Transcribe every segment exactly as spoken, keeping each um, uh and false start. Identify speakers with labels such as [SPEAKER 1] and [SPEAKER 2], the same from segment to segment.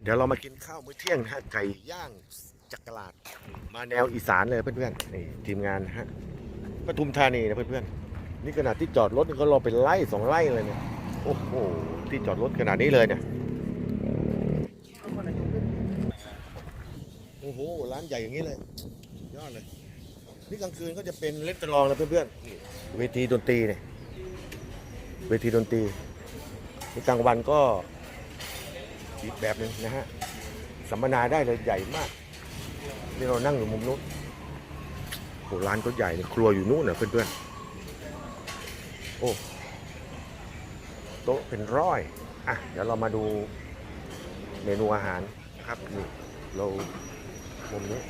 [SPEAKER 1] ดี๋ยวเรามากินข้าวมื้อเที่ยงนะฮะไก่ย่างจักรลาดมาแนวอีสานเลยเพื่อนๆนี่ทีมงานนะฮะปทุมธานีนะเพื่อนๆนี่ขนาดที่จอดรถนี่ก็รอเป็นไล่สองไล่เลยเนี่ยโอ้โหที่จอดรถขนาดนี้เลยเนี่ยโอ้โหร้านใหญ่อย่างนี้เลยยอดเลยนี่กลางคืนก็จะเป็นเลสตอรองนะเพื่อนๆเวทีดนตรีเนี่ยเวทีดนตรีในกลางวันก็อีกแบบหนึ่งนะฮะสัมมนาได้เลยใหญ่มากนี่เรานั่งอยู่มุมนู้นโอ้ร้านก็ใหญ่เลยครัวอยู่นู้นนะเพื่อนๆโอ้โต๊ะเป็นร้อยอ่ะเดี๋ยวเรามาดูเมนูอาหารนะครับนี่เรามุมนี้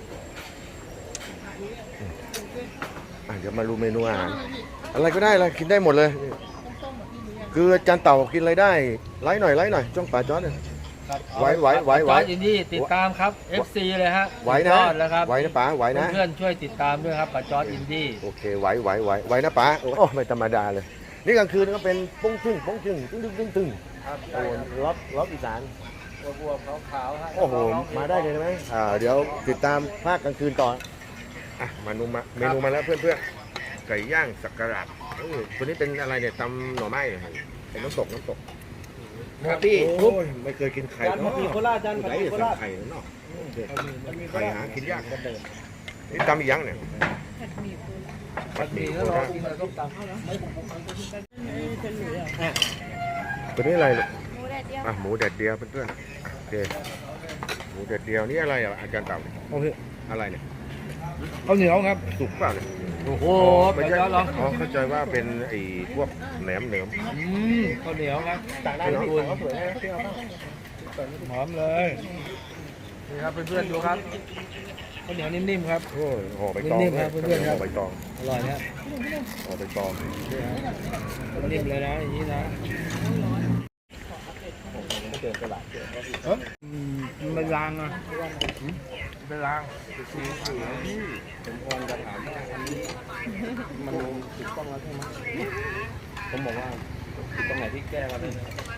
[SPEAKER 1] อ่ะเดี๋ยวมาดูเมนูอาหารอะไรก็ได้เลยกินได้หมดเลยคืออาจารย์เต่ากินอะไรได้ไลฟ์หน่อยไลฟ์หน่อยจ้องป่าจอร์ดเนี่ยไหวไหวไหวไหว
[SPEAKER 2] จอร์ดอินดี้ติดตามครับ เอฟ ซี เลยฮะ
[SPEAKER 1] ไหวนะ
[SPEAKER 2] ยอดแล้วครับ
[SPEAKER 1] ไหวนะป๋าไหวนะ
[SPEAKER 2] เพื่อนๆช่วยติดตามด้วยครับป้าจอร์ดอินดี้
[SPEAKER 1] โอเคไหวไหวไหวไหวนะป๋าโอ้ไม่ธรรมดาเลยนี่กลางคืนก็เป็นป้งชึ่งป้งชึ่งตึ้งตึ้งตึ้งตึ้งโอ้ล็อกล็อกอีสาน
[SPEAKER 2] บวมๆขาวๆฮะ
[SPEAKER 1] โอ้โหมาได้เลยไหมอ่าเดี๋ยวติดตามภาคกลางคืนต่ออ่ะมานูมาเมนูมาแล้วเพื่อนๆไก่ย่างสักการะเออตัวนี้เป็นอะไรเนี่ยตำหน่อไม้เหรอเป็นน้ำตกน้ำตก
[SPEAKER 2] ครับพี่
[SPEAKER 1] โอ้ยไม่เคยกินไข่
[SPEAKER 2] จานผัดหมี่โคราชจานผัดหมี่โคราช
[SPEAKER 1] ไข่เนาะไข่หากินยากนี่ตำอีกอยังเนี่ย
[SPEAKER 2] ผัดหมี่แล้วรอกินกับส้มตำ
[SPEAKER 1] ตัวนี้อะไรลูก
[SPEAKER 3] หมูแดดเดียว
[SPEAKER 1] อ่ะหมูแดดเดียวเพื่อนๆโอเคหมูแดดเดียวนี่อะไรอ่ะอาจารย์เต่าอะไรเนี่ย
[SPEAKER 2] ข้าวเหนียวครับ
[SPEAKER 1] สุกเปล่าเนี่ย
[SPEAKER 2] โอ้โห
[SPEAKER 1] ไม่
[SPEAKER 2] ป้า
[SPEAKER 1] ใช่
[SPEAKER 2] จอร์ดลอง
[SPEAKER 1] อ๋อเข้าใจว่าเป็นไอ้พวกแหนมเหนือม
[SPEAKER 2] อืมข้าวเหนียวครับ
[SPEAKER 1] ต่างได้ไหมพี่เขาสวยนะพี่เอา
[SPEAKER 2] หอมเลยนี่ครับเพื่อนๆดูครับข้าวเหนียวนิ่มๆครับ
[SPEAKER 1] โอ้ยห่อใบตอง
[SPEAKER 2] นิ่มๆครับเพื่อนๆครับ
[SPEAKER 1] ห่อใบตอง
[SPEAKER 2] อร่อยนะ
[SPEAKER 1] ห่อใบตอง
[SPEAKER 2] นิ่มเลยนะอย่างนี้นะอืมมันเป็นรางอ่ะเป็นราง
[SPEAKER 1] ผมพรจะถามว่าอันนี้มันถูกต้องแล้วใช่ไหมผมบอกว่าถูกตรงไหนที่แก้มาเลย